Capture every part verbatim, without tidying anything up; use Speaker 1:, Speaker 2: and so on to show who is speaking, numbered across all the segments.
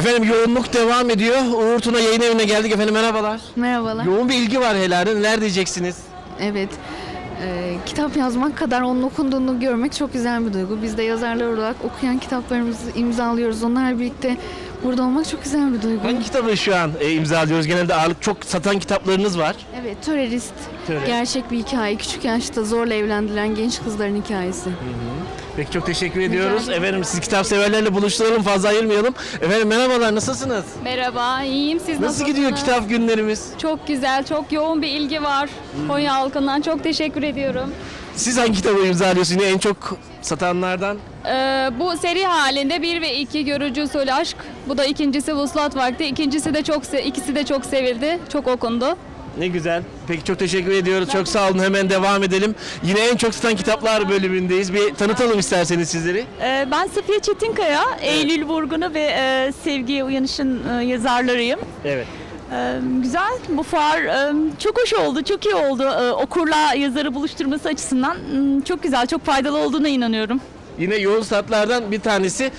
Speaker 1: Efendim yoğunluk devam ediyor. Uğur Tuna Yayın Evi'ne geldik efendim, merhabalar.
Speaker 2: Merhabalar.
Speaker 1: Yoğun bir ilgi var herhalde. Neler diyeceksiniz?
Speaker 2: Evet. Ee, kitap yazmak kadar onun okunduğunu görmek çok güzel bir duygu. Biz de yazarlar olarak okuyan kitaplarımızı imzalıyoruz. Onlarla birlikte burada olmak çok güzel bir duygu.
Speaker 1: Hangi kitabı şu an e, imzalıyoruz? Genelde ağırlık çok satan kitaplarınız var.
Speaker 2: Evet, Törerist.
Speaker 1: Töre.
Speaker 2: Gerçek bir hikaye. Küçük yaşta zorla evlendirilen genç kızların hikayesi.
Speaker 1: Peki çok teşekkür ediyoruz.
Speaker 2: ederim.
Speaker 1: Efendim siz kitap severlerle buluşturalım, fazla ayırmayalım. Efendim merhabalar, nasılsınız?
Speaker 3: Merhaba, iyiyim. Siz
Speaker 1: Nasıl
Speaker 3: nasılsınız?
Speaker 1: gidiyor kitap günlerimiz?
Speaker 3: Çok güzel, çok yoğun bir ilgi var. Konya halkından çok teşekkür ediyorum.
Speaker 1: Siz hangi kitabı imzalıyorsunuz? Yine en çok satanlardan?
Speaker 3: Ee, bu seri halinde bir ve iki Görücü Usulü Aşk. Bu da ikincisi Vuslat Vakti. İkincisi de çok, se- ikisi de çok sevildi, çok okundu.
Speaker 1: Ne güzel. Peki çok teşekkür ediyoruz. Çok sağ olun. Hemen devam edelim. Yine en çok satan kitaplar bölümündeyiz. Bir tanıtalım isterseniz sizleri.
Speaker 4: Ee, Ben Safiye Çetinkaya, Eylül Vurgun'u ve e, Sevgiye Uyanış'ın e, yazarlarıyım.
Speaker 1: Evet.
Speaker 4: Ee, Güzel, bu fuar e, çok hoş oldu, çok iyi oldu. Ee, Okurla yazarı buluşturması açısından m, çok güzel, çok faydalı olduğuna inanıyorum.
Speaker 1: Yine yoğun saatlerden bir tanesi.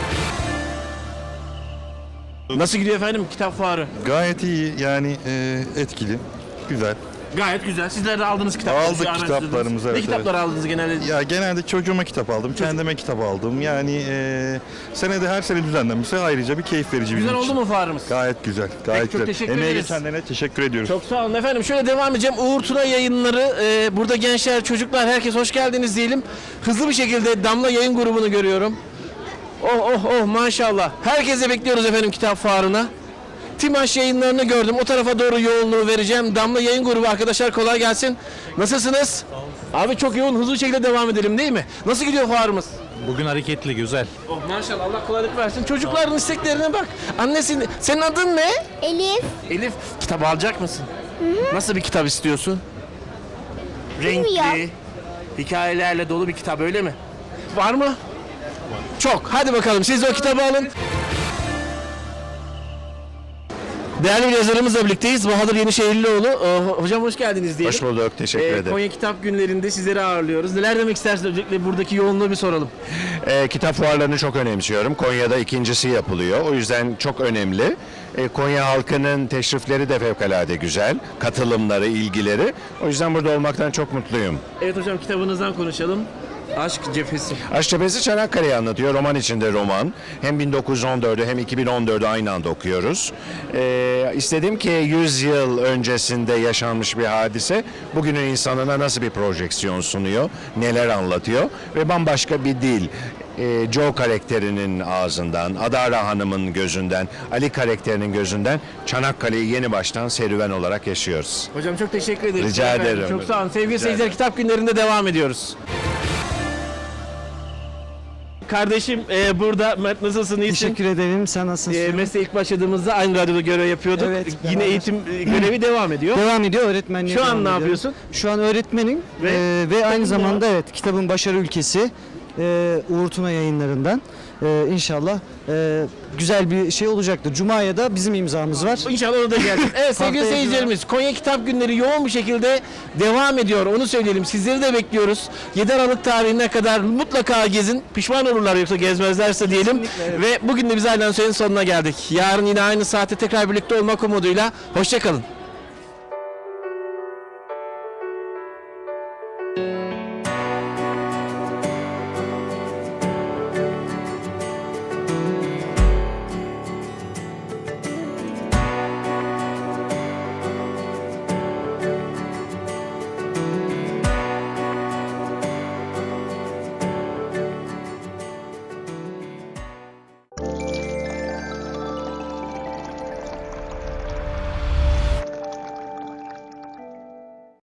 Speaker 1: Nasıl gidiyor efendim kitap fuarı?
Speaker 5: Gayet iyi yani e, etkili, güzel.
Speaker 1: Gayet güzel. Sizler de aldınız kitapları.
Speaker 5: Aldık
Speaker 1: şu an
Speaker 5: kitaplarımızı,
Speaker 1: araştırdınız. Ne
Speaker 5: evet,
Speaker 1: kitaplar aldınız genelde?
Speaker 5: Ya genelde çocuğuma kitap aldım, kendime kitap aldım. Yani e, senede her sene düzenlenmişse ayrıca bir keyif verici
Speaker 1: Güzel
Speaker 5: bizim
Speaker 1: oldu
Speaker 5: için.
Speaker 1: mu fuarımız?
Speaker 5: Gayet güzel, gayet
Speaker 1: Peki, çok
Speaker 5: güzel.
Speaker 1: teşekkür
Speaker 5: Emeğe
Speaker 1: ederiz.
Speaker 5: geçenlerine teşekkür ediyoruz.
Speaker 1: Çok sağ olun efendim. Şöyle devam edeceğim. Uğur Tuna Yayınları. e, burada gençler, çocuklar, herkes hoş geldiniz diyelim. Hızlı bir şekilde Damla Yayın grubunu görüyorum. Oh oh oh maşallah. Herkese bekliyoruz efendim kitap fuarına. Timaş Yayınlarını gördüm. O tarafa doğru yoğunluğu vereceğim. Damla Yayın grubu arkadaşlar, kolay gelsin. Nasılsınız? Abi çok yoğun, hızlı bir şekilde devam edelim değil mi? Nasıl gidiyor fuarımız?
Speaker 6: Bugün hareketli, güzel.
Speaker 1: Oh maşallah, Allah kolaylık versin. Çocukların isteklerine bak. Annesi, senin adın ne?
Speaker 7: Elif.
Speaker 1: Elif, kitap alacak mısın? Nasıl bir kitap istiyorsun? Renkli,
Speaker 7: Bilmiyorum.
Speaker 1: hikayelerle dolu bir kitap, öyle mi? Var mı? Çok. Hadi bakalım, siz de o kitabı alın. Değerli bir yazarımızla birlikteyiz. Bahadır Yenişehirlioğlu. Ee, hocam hoş geldiniz diyelim.
Speaker 5: Hoş bulduk, teşekkür
Speaker 1: Ee,
Speaker 5: ederim.
Speaker 1: Konya Kitap Günleri'nde sizleri ağırlıyoruz. Neler demek istersiniz? Öncelikle buradaki yoğunluğu bir soralım.
Speaker 8: E, kitap fuarlarını çok önemsiyorum. Konya'da ikincisi yapılıyor. O yüzden çok önemli. E, Konya halkının teşrifleri de fevkalade güzel. Katılımları, ilgileri. O yüzden burada olmaktan çok mutluyum.
Speaker 1: Evet hocam, kitabınızdan konuşalım. Aşk Cephesi.
Speaker 8: Aşk Cephesi Çanakkale'yi anlatıyor. Roman içinde roman. Hem bin dokuz yüz on dördü hem iki bin on dördü aynı anda okuyoruz. E, istedim ki yüz yıl öncesinde yaşanmış bir hadise bugünün insanına nasıl bir projeksiyon sunuyor, neler anlatıyor ve bambaşka bir dil. E, Joe karakterinin ağzından, Adara Hanım'ın gözünden, Ali karakterinin gözünden Çanakkale'yi yeni baştan serüven olarak yaşıyoruz.
Speaker 1: Hocam çok teşekkür ederim.
Speaker 8: Rica
Speaker 1: Efendim,
Speaker 8: ederim.
Speaker 1: Çok sağ olun. Sevgili
Speaker 8: Rica
Speaker 1: seyirciler,
Speaker 8: ederim.
Speaker 1: Kitap Günleri'nde devam ediyoruz. Kardeşim e, burada. Mert, nasılsın? İyisin?
Speaker 9: Teşekkür ederim. Sen nasılsın?
Speaker 1: E, mesleğe ilk başladığımızda aynı radyoda görev yapıyorduk.
Speaker 9: Evet,
Speaker 1: Yine
Speaker 9: beraber.
Speaker 1: eğitim e, görevi devam ediyor.
Speaker 9: Devam ediyor öğretmenliğe.
Speaker 1: Şu an
Speaker 9: devam
Speaker 1: ne
Speaker 9: ediyorum.
Speaker 1: yapıyorsun?
Speaker 9: Şu an öğretmenim
Speaker 1: Ve
Speaker 9: ve, ve
Speaker 1: kitabın
Speaker 9: aynı
Speaker 1: da-
Speaker 9: zamanda evet kitabın Başarı Ülkesi e, Uğur Tuna Yayınlarından e, inşallah e, güzel bir şey olacaktır. Cuma'ya da bizim imzamız var.
Speaker 1: İnşallah orada gelsin. Evet sevgili
Speaker 9: Haftaya
Speaker 1: seyircilerimiz, Konya Kitap Günleri yoğun bir şekilde devam ediyor. Onu söyleyelim. Sizleri de bekliyoruz. yedi Aralık tarihine kadar mutlaka gezin. Pişman olurlar yoksa gezmezlerse diyelim. Ve bugün de biz Aydan Söyle'nin sonuna geldik. Yarın yine aynı saatte tekrar birlikte olmak umuduyla. Hoşçakalın.